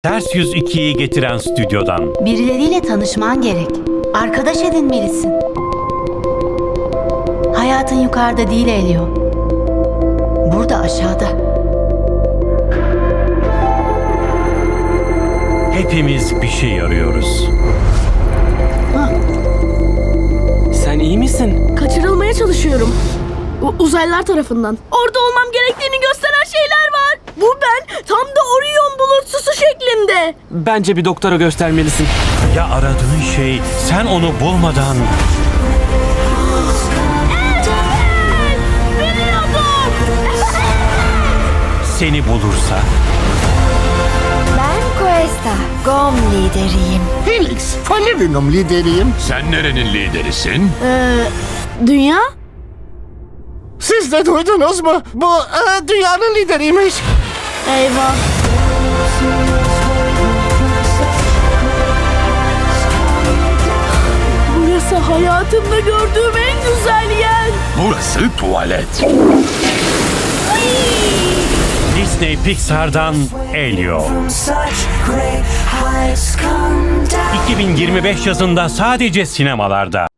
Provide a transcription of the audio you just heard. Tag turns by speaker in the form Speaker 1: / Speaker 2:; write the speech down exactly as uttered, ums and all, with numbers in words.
Speaker 1: Ters Yüz ikiyi getiren stüdyodan.
Speaker 2: Birileriyle tanışman gerek. Arkadaş edinmelisin. Hayatın yukarıda değil Elio. Burada aşağıda.
Speaker 1: Hepimiz bir şey arıyoruz.
Speaker 3: Sen iyi misin?
Speaker 4: Kaçırılmaya çalışıyorum. U- uzaylılar tarafından. Orada olmam gerektiğini gösteren şeyler var. Bu ben tam da Orion bulutsusu şeklinde.
Speaker 3: Bence bir doktora göstermelisin.
Speaker 1: Ya aradığın şey sen onu bulmadan...
Speaker 4: Biliyordum.
Speaker 1: seni bulursa...
Speaker 5: Ben Questa, Gom lideriyim.
Speaker 6: Felix, Falerinum lideriyim.
Speaker 7: Sen nerenin liderisin?
Speaker 4: Ee, dünya?
Speaker 6: Siz de duydunuz mu? Bu e, dünyanın lideriymiş.
Speaker 4: Eyvah. Burası hayatımda gördüğüm en güzel yer.
Speaker 7: Burası tuvalet.
Speaker 1: Disney Pixar'dan Elio. iki bin yirmi beş yazında sadece sinemalarda.